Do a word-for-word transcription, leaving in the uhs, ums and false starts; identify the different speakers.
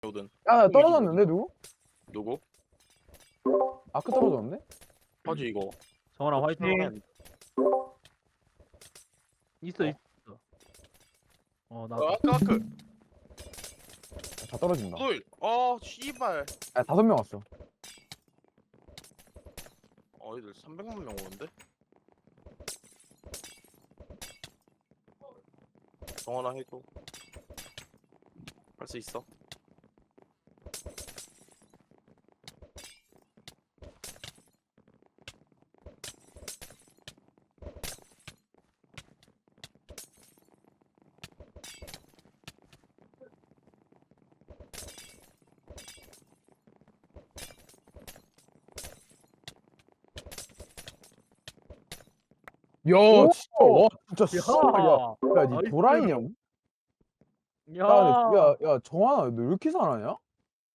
Speaker 1: 오든.
Speaker 2: 야, 떨어졌는데 누구?
Speaker 1: 누구?
Speaker 2: 아크 떨어졌는데?
Speaker 1: 하지 이거.
Speaker 3: 정원아 화이팅.
Speaker 1: 한-
Speaker 3: 있어
Speaker 1: 어.
Speaker 3: 있어. 어 나.
Speaker 1: 아, 까크.
Speaker 2: 다 떨어진다.
Speaker 1: 물. 어, 씨발.
Speaker 2: 야, 다섯 명 왔어.
Speaker 1: 어, 애들 삼백만 명 오는데? 정원아 해줘. 할 수 있어.
Speaker 2: 야, 진짜, 와, 진짜, 씨. 야, 야, 니
Speaker 3: 나이스.
Speaker 2: 도라이냐?
Speaker 3: 야.
Speaker 2: 야, 근데, 야, 야, 정환아, 너 왜 이렇게 잘하냐?